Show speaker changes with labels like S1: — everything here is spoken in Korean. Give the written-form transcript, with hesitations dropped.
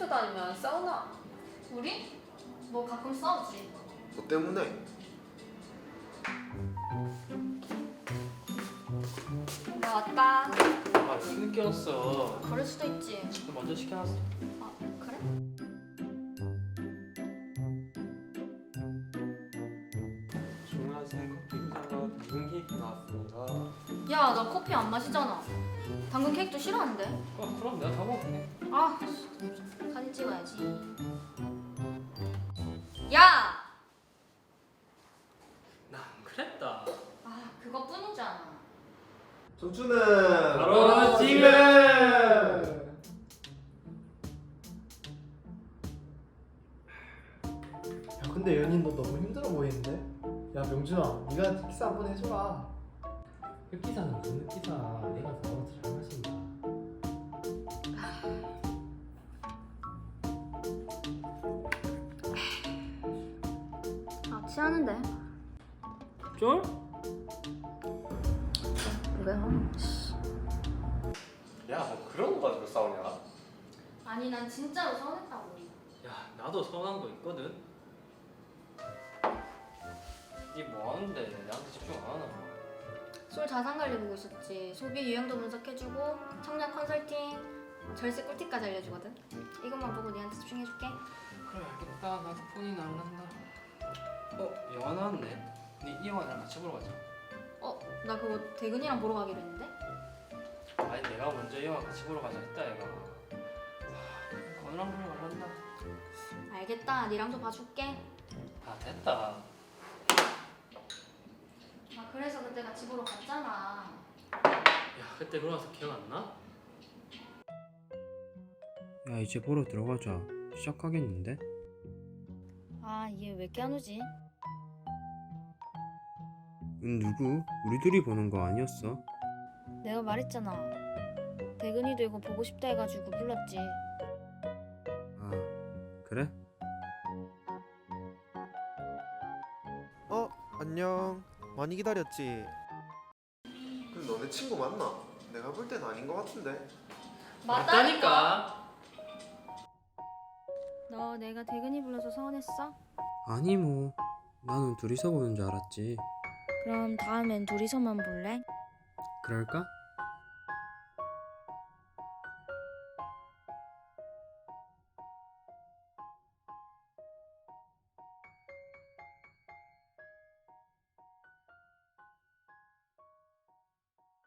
S1: 학교 다니면 안 싸우나?
S2: 우리? 뭐 가끔 싸우지.
S3: 너 때문에?
S2: 나 왔다.
S4: 아, 왜 늦게 왔어?
S2: 그럴 수도 있지.
S4: 너 먼저 시켜놨어.
S2: 아, 그래?
S5: 주문하신 커피가 당근 케이크 나왔습니다.
S2: 야, 나 커피 안 마시잖아. 당근 케이크도 싫어하는데.
S4: 그럼 내가 다 먹을게.
S2: 아, 사진 찍어야지. 야!
S4: 나 안 그랬다.
S2: 아, 그거뿐이잖아.
S3: 청춘은
S4: 바로 지금!
S6: 야 근데 연인 너 너무 힘들어 보이는데? 야 명준아 네가 키스 한 번 해줘라.
S5: 흑기사는 무슨 흑기사? 내가 더 잘 마신다.
S2: 아, 취하는데.
S4: 쫄?
S2: 왜?
S3: 야, 뭐 그런 거 가지고 싸우냐?
S2: 아니, 난 진짜로 서운했다고.
S4: 야, 나도 서운한 거 있거든. 니 뭐 하는데 나한테 집중 안 하나?
S2: 술 자산 관리 보고 있었지. 소비 유형도 분석해주고 청약 컨설팅, 절세 꿀팁까지 알려주거든. 이것만 보고 니한테 집중해줄게.
S4: 그래, 알겠다. 나도 폰이 날란다. 영화 나왔네. 니 이 영화 나랑 같이 보러 가자.
S2: 나 그거 대근이랑 보러 가기로 했는데.
S4: 아니, 내가 먼저 이 영화 같이 보러 가자 했다 얘가. 건우랑 보러 갈란다.
S2: 알겠다. 니랑도 봐줄게.
S4: 아, 됐다.
S2: 아, 그래서 그때 같이 보러 갔잖아.
S4: 야, 그때 그러면서 기억 안 나?
S7: 야 이제 보러 들어가자. 시작하겠는데?
S2: 아, 얘 왜 이렇게 안 오지?
S7: 누구? 우리 둘이 보는 거 아니었어?
S2: 내가 말했잖아. 대근이도 이거 보고 싶다 해가지고 불렀지.
S7: 아 그래?
S8: 안녕. 많이 기다렸지?
S3: 근데 너네 친구 맞나? 내가 볼 땐 아닌 거 같은데.
S4: 맞다니까.
S2: 너 내가 대근이 불러서 서운했어?
S7: 아니 뭐 나는 둘이서 보는 줄 알았지.
S2: 그럼 다음엔 둘이서만 볼래?
S7: 그럴까?